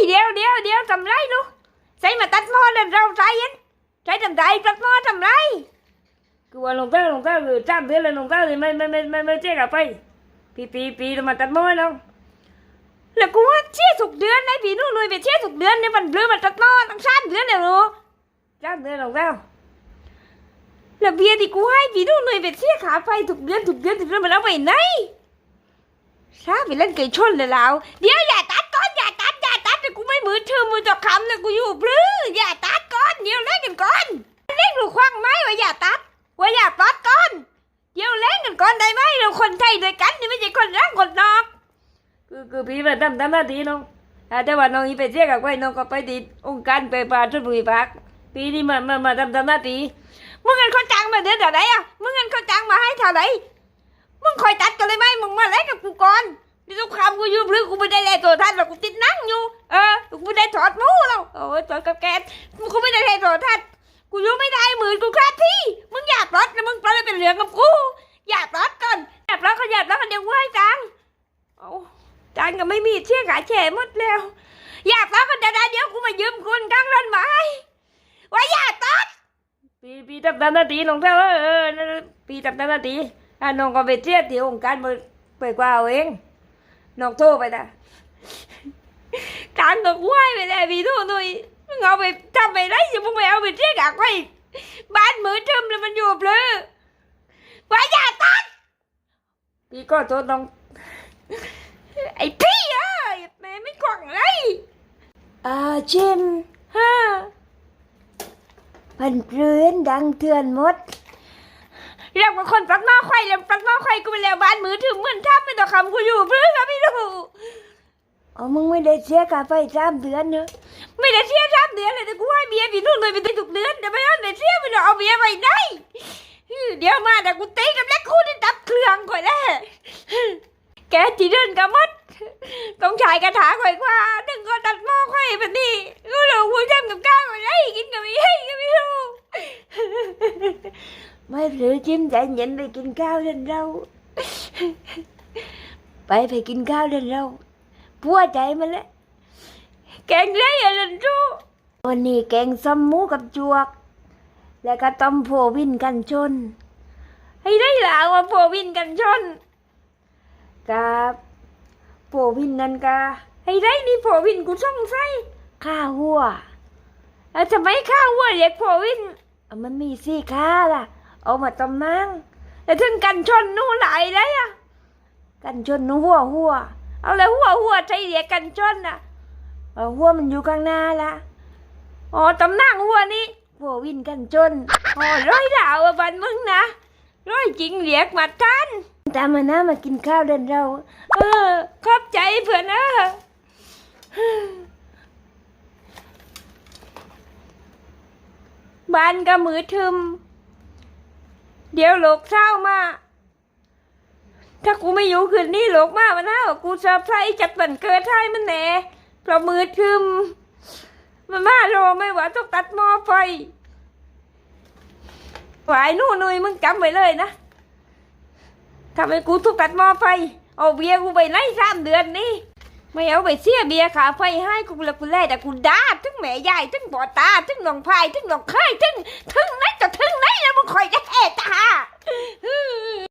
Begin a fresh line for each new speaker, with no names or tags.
เดี๋ยวทำไรลูกใส่มาตัดหม้อเดินเราใส่ยันใช้ทำไรตัดหม้อทำไรกูว่าลงเท้าคือจ้ำเดือนเลยลงเท้าเลยไม่เจ๊กับไปปีมาตัดหม้อน้องแล้วกูว่าเชี่ยสุกเดือนไอ้พี่นู่นเลยไปเชี่ยสุกเดือนเนี่ยมันเบลอมันตัดหม้อตั้ง3 เดือนเลยลูก3 เดือนลงเท้าแล้วเบียร์ที่กูให้พี่นู่นเลยไปเชี่ยขาไปทุกเดือนมันเอาไปไหนช้าไปเล่นไก่ชนเลยแล้วเดี๋ยวอย่าตัดก่อนอย่าตัดแต่กูไม่มือถือมือจะคำเลยกูอยู่ปลื้ออย่าตัดก่อนเดี๋ยวเล่นกันก่อนเล่นหรือคว้างไม้ว่าอย่าตัดก่อนเดี๋ยวเล่นกันก่อนได้ไหมเราคนไทยด้วยกันนี่ไม่ใช่คนรักคนนอกคือพี่มาทำหน้าที่น้องแต่ว่าน้องอีไปเจ๊กับไว้น้องก็ไปติดองค์การไปป่าชลบุรีพักปีนี้มาทำหน้าที่มึงเงินเขาจ้างมาเดือนเท่าไหร่อ่ะมึงเงินเขาจ้างมาให้เท่าไหร่มึงคอยตัดกันเลยไหมมึงมาเล่นกับกูก่อนนี่ทุกคำกูอยู่หรือกูไม่ได้เล่นตัวท่านหรอกกูติดนั่งอยู่กูไม่ได้ถอดมูแล้วโอ้ยถอดกับแกนกูไม่ได้เล่นตัวท่านกูอยู่ไม่ได้มือกูคลาดที่มึงอยากรถนะมึงปล่อยเป็นเหลืองกับกูอยากรถก่อนอยากรถเขาอยากรถกันเดี๋ยวกูให้จังโอ้จังก็ไม่มีเชี่ยขาแฉหมดแล้วอยากรถกันเดี๋ยวกูมายืมคุณกลางรถไม้ว่าอยากรถปีทำหน้าที่น้องเท่าปีทำหน้าที่น้องก็ไปเชี่ยที่องค์การไปกว่าเองน้องโทรไปนะการก็ไหวไปแล้วพี่โทรหน่อยมึงเอาไปทำไปได้สิมึงไม่เอาไปเชี่ยกักไว้บ้านมือทึมเลยมันอยู่เลยว่าอย่าตัดพี่ก็โทษน้องไอ้พี่แม่ไม่กล่องเลยเช่นพันเปลือนดังเถื่อนหมดเรียกว่าคนปลักหม้อไข่แล้วปลักหม้อไข่กูไปแล้วบ้านมือถือเหมือนทับไม่ต่อคำกูอยู่เพื่อครับพี่ดูมึงไม่ได้เสียค่าไฟ3 เดือนเนอะไม่ได้เสีย3 เดือนเลยแต่กูให้เบียร์พี่นู่นเลยไปได้ทุกเดือนแต่ไม่ได้เสียไปเอาเบียร์ไปได้เดี๋ยวมาแต่กูตีกับแล็กคูได้ดับเครื่องก่อนแน่แกจีเดินกับมัดต้องฉายกระถาก่อยกว่าดึงก็ตัดหม้อไข่แบบนี้กูหลงกูทำกับข้าวก่อนได้กินกับไม่ให้ก็ไม่รู้ไม่หรือจิ้มใจเย็นไปกินข้าวเดินเราไปกินข้าวเดินเราพัวใจมันแล้วแกงเละอะไรรู้วันนี้แกงซ้ำหมูกับจวกแล้วก็ต้มโพวินกันชนให้ได้หลาว่าโพวินกันชนกับโพวินนั่นกะให้ได้นี่โพวินกูส่งใส่ข้าหัวแล้วทำไมข้าหัวเรียกโพวินมันมีสี่ข้าล่ะเอามาต้มนั่งแล้วถึงกันชนนู่นไหลได้อะกันชนนู่หัวเอาเลยหัวใจเรียกกันชนน่ะหัวมันอยู่ข้างหน้าละต้มนั่งหัวนี่หัววินกันชนร้อยดาวบันมึงนะร้อยจริงเรียกมาทันตามมานะมากินข้าวเดินเราขอบใจเพื่อนบ้านก็มือทึมเดี๋ยวโลกเศร้ามาถ้ากูไม่อยู่คืนนี้โลกมามันน่ากูเซอร์ไพรส์จัดวันเกิดให้มันแน่เพราะมือทึมมันมารอไม่ว่าต้องตัดหม้อไฟหวายนู่นนุยมึงจำไว้เลยนะทำให้กูทุกตัดหม้อไฟเอาเบียร์กูไปไล่3 เดือนนี่ไม่เอาไปเสียเบียร์ขาไฟให้กูละกูแล่แต่กูด่าถึงแม่ยายถึงบ่อตาถึงน้องพายถึงน้องไข่ถึงไหนต่อถึงไหนแล้วมึงคอยจะแห่ตา